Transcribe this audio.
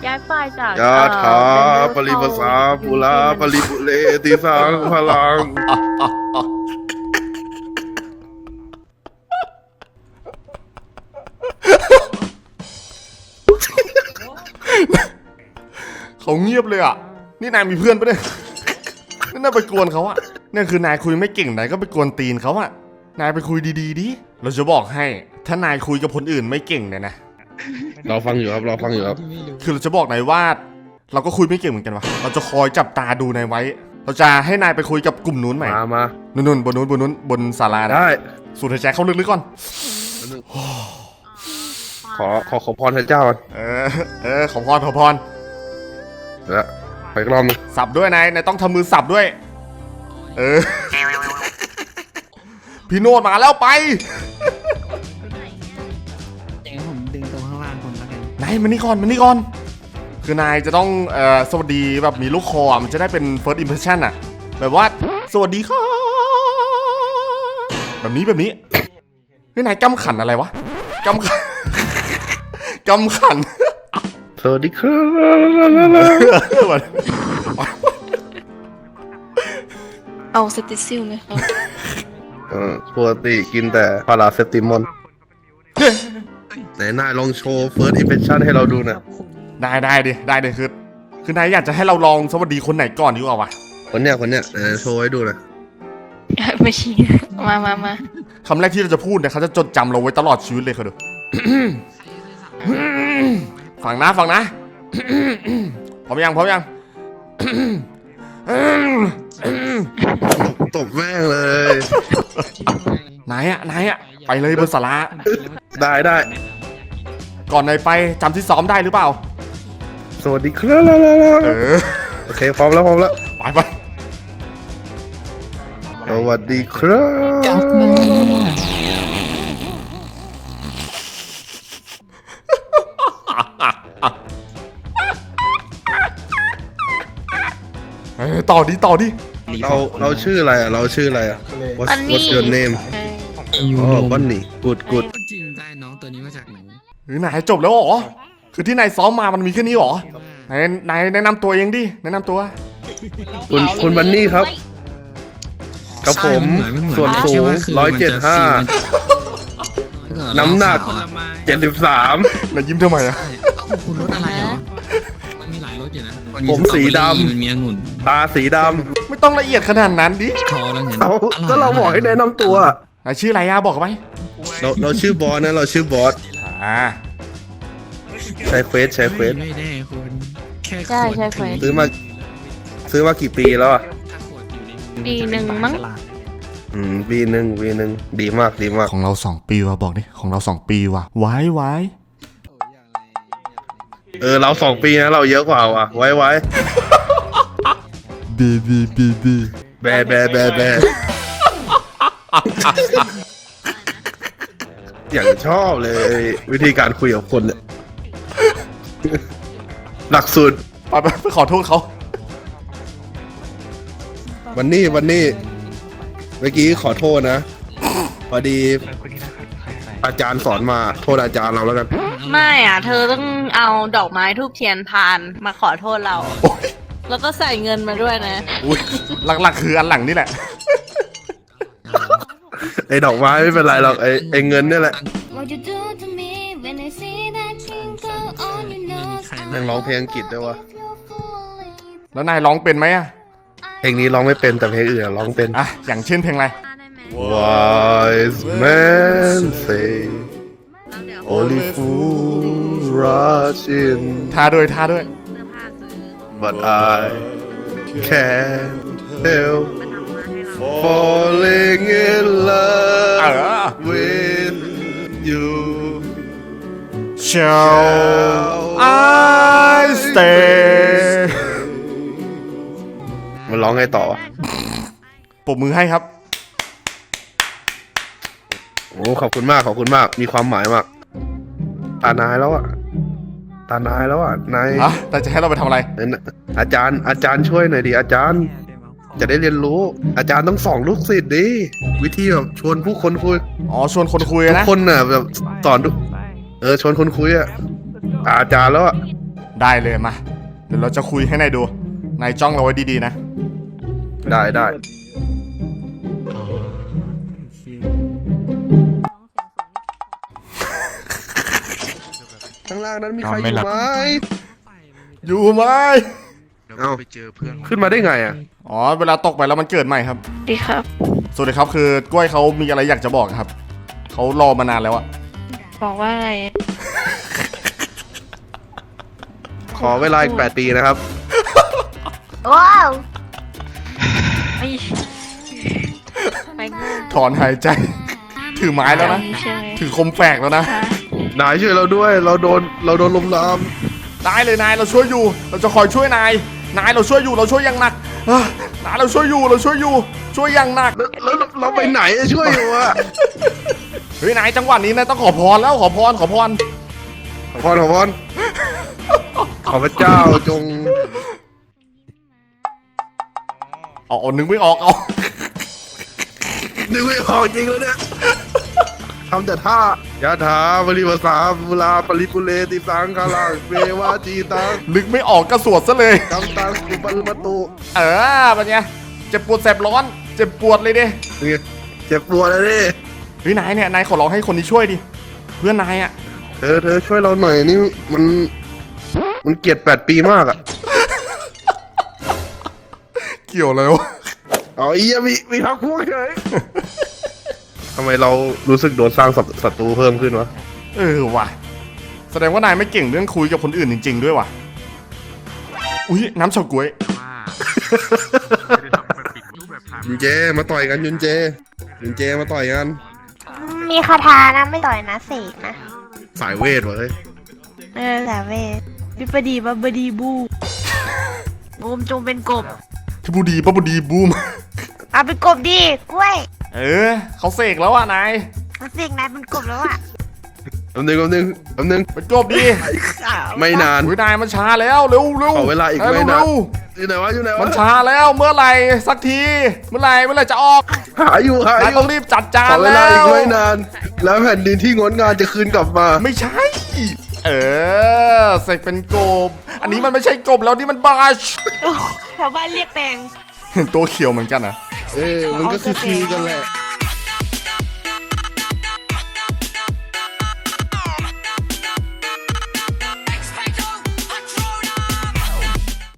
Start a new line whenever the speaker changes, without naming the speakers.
ย้ายฝ่ายจาก
ยาถาปริภาษาปุระปริปุเรติสังพลัง
เขาเงียบเลยอ่ะนี่นายมีเพื่อนปะเนี่ยนี่นายไปกวนเขาอ่ะนี่คือนายคุยไม่เก่งนายก็ไปกวนตีนเขาอ่ะนายไปคุยดีๆดิเราจะบอกให้ถ้านายคุยกับคนอื่นไม่เก่งเนี่ยนะ
เราฟังอยู่ครับเราฟังอยู่ครับ
คือเราจะบอกนายว่าเราก็คุยไม่เก่งเหมือนกันวะเราจะคอยจับตาดูนายไว้เราจะให้นายไปคุยกับกลุ่มนู้นใหม่
มา
นู่นบนนู้นบนศาลา
ได้
สูดหายใจเข้าลึกๆก่อน
ขอพรพระเจ้าก่อน
ขอพร
แล้วไปกล้อง
สับด้วยนายต้องทำมือสับด้วยพี่โนดมาแล้วไป
เดี๋ยวผมดึงตรงข้างล่างคนแล้วกัน
นายมานี่ก่อนคือนายจะต้องสวัสดีแบบมีลูกคอมันจะได้เป็น first impression อ่ะแบบว่าสวัสดีค่ะแบบนี้นี่นายกำขันอะไรวะกำขัน
สวัสดีครับ
เอาสติซิลเลยครับ
ปกติกินแต่พาราเซปติมอนไหนนายลองโชว์ first impression ให้เราดูนะ
ได้ดิคือนายอยากจะให้เราลองสวัสดีคนไหนก่อนดีกว่าวะ
คนเนี้ยโชว์ให้ดูนะ
ไม่ชี้มา
คำแรกที่เราจะพูดเนี่ยเขาจะจดจำเราไว้ตลอดชีวิตเลยเขาดู ฟังนะพร้อมยัง
ตบแม่งเลย
นายอะไปเลยบนศาลา
ได้
ก่อนนายไปจำที่ซ้อมได้หรือเปล่า
สวัสดีครับโอเคพร้อมแล้ว
ไป
สวัสดีครับ
ต่อดิ
เราชื่ออะไรอ่ะWhat's your name บันนี่กูด
จริงได้น้องตัวนี้มาจากไหน
นายจบแล้วเหรอคือที่นายซ้อมมามันมีแค่นี้เหรอนายแนะนำตัวเองดิแนะนำตัว
คุณบันนี่ครับกับผมส่วนสูง175น้ำหนัก73
นายยิ้มทำไมอะ
คุณรถอะไรเหรอมันมีหลายรถอยู่นะ
ผมสีดำ
มันมีองุ่น
ตาสีดำ
ไม่ต้องละเอียดขนาดนั้นดิ
ก็เราบอกให้แนะนำตัวน
ายชื่ออะไรอะบอกไป
เราชื่อบอสนะเราชื่อบอสใช้เควส
ไม่ได้คุณแค่
ใช่เควส
ซื้อมากี่ปีแล้วอ่ะ
ปีหนึ่งมั้ง
ปีหนึ่งดีมาก
ของเรา2 ปีว่ะบอกดิของเรา2 ปีว่ะไว้
เรา2 ปีนะเราเยอะกว่าว่ะไว้
บี
แบอย่างชอบเลยวิธีการคุยกับคนเนี่ยหลักสูตร
ไปขอโทษเขา
วันนี้เมื่อกี้ขอโทษนะพอดีอาจารย์สอนมาโทษอาจารย์เราแล้วกัน
ไม่เธอต้องเอาดอกไม้ทูบเทียนพานมาขอโทษเราแล้วก็ใส่เงินมาด้วยนะ
หลักคืออันหลังนี่แหละ
ไอ้ดอกไม้ไม่เป็นไรหรอกไอ้เงินนี่แหละยังร้องเพลงอังกฤษด้วยวะ
แล้วนายร้องเป็นไหมอะ
เพลงนี้ร้องไม่เป็นแต่เพลงอื่นร้องเป็น
อย่างเช่นเพลงอะไร
Wise men say only fools rush in
ท่าด้วย
but I can't help falling in love with you
shall I stay
มันร้องไงต่อวะ
ปรบมือให้ครับ
โอ้ขอบคุณมากมีความหมายมากตานายแล้วอ่ะนาย
แต่จะให้เราไปทำอะไร
อาจารย์ช่วยหน่อยดิอาจารย์จะได้เรียนรู้อาจารย์ต้องสอนลูกศิษย์ดิวิธีแบบชวนผู้คนคุย
ชวนคนคุยนะ
ทุกคนน่ะแบบสอนชวนคนคุยอ่ะอาจารย์แล้วอ่ะ
ได้เลยมา เดี๋ยวเราจะคุยให้นายดู นายจ้องเราไว้ดีๆนะ
ได้ได้ ข้างล่างนั้นมีใครอยู่ไหม
อยู่ไหม
เอ้าขึ้นมาได้ไงอ่ะ
อ๋อ เวลาตกไปแล้วมันเกิดใหม่ครับ
ดีครับ
สวัสดีครับคือกล้วยเขามีอะไรอยากจะบอกครับ เขารอมานานแล้วอะ
บอกว่าอะไร
ขอเวลาอีก8 ปีนะครับ
ว้าวไม่ไปงู
ถอนหายใจ ถือไม้แล้วนะ
ใช่ไหม
ถือคมแฝกแล้วนะ
นายช่วยเราด้วย เราโดนลมลาม
ได้เลยนายเราช่วยอยู่ เราจะคอยช่วยนาย นายเราช่วยอยู่ เราช่วยอย่างหนักนายเราช่วยอยู่ เราช่วยอยู่ ช่วยอย่างหนัก
แล้วเราไปไหนอะช่วยอยู่อะ
เฮ้ยนายจังหวะนี้นายต้องขอพรแล้วขอพร
ขอพรขอพระเจ้าจง
เอานึกไม่ออกเอา
นึกไม่ออกจริงแล้วเนี่ยทำแต่ท่ายะถาบริวสาบุลาปริปุเรติสังคาลังเววาจีตัง
นึกไม่ออกก็สวดซะเลย
กำตังสุปัลมตุ
เป็นไงเจ็บปวดแสบร้อน เจ็บปวดเลยดิ
นี่เจ็บปวดเลยดิ
เฮ้ยนายเนี่ยนายขอร้องให้คนนี้ช่วยดิ เพื่อนนายอะ
เธอช่วยเราหน่อยนี่มันเกลียด8 ปีมากอะ
เกี่ยวเลยวะ
อ๋ออียมีพักพวกเฉยทำไมเรารู้สึกโดนสร้างศัตรูเพิ่มขึ้นวะ
ว่ะ แสดงว่านายไม่เก่งเรื่องคุยกับคนอื่นจริง ๆ ด้วยว่ะ อุ้ยน้ำเฉาก๊วย
ยุนเจมาต่อยกันยุนเจมาต่อยกัน
มีคาถานะไม่ต่อยนะเสกนะ
สายเวทวะเฮ้ย
แต่เวท
บิปดีบับบดีบูบูมจงเป็นกบ
ที่บูดีปะบูดีบูม
เอาเป็นกบดีกล้วย
เขาเสกแล้วอ่ะนาย
มันเสกนายเป็นกบแล้วอ่ะ
แป๊บนึง
เป็นกบดี
ไม่นาน
อุ้ยนายมันช้าแล้วเร็ว
ขอเวลาอีกไม่นาน อยู่ไหนวะ
มันช้าแล้วเมื่อไหร่สักที เมื่อไหร่จะออก
หาอยู่
นายต้องรีบจัดจา
ข
น
อเว
แล้
ลาอีก
ว
ไม่นาน แล้วแผ่นดินที่งดงามจะคืนกลับมา
ไม่ใช่ เสกเป็นกบ อันนี้มันไม่ใช่กบแล้วนี่มันบาช
แถวบ้านเรียกแปลง
ตัวเขียวเหมือนกันอ่ะ
มันก็คือกันแหละ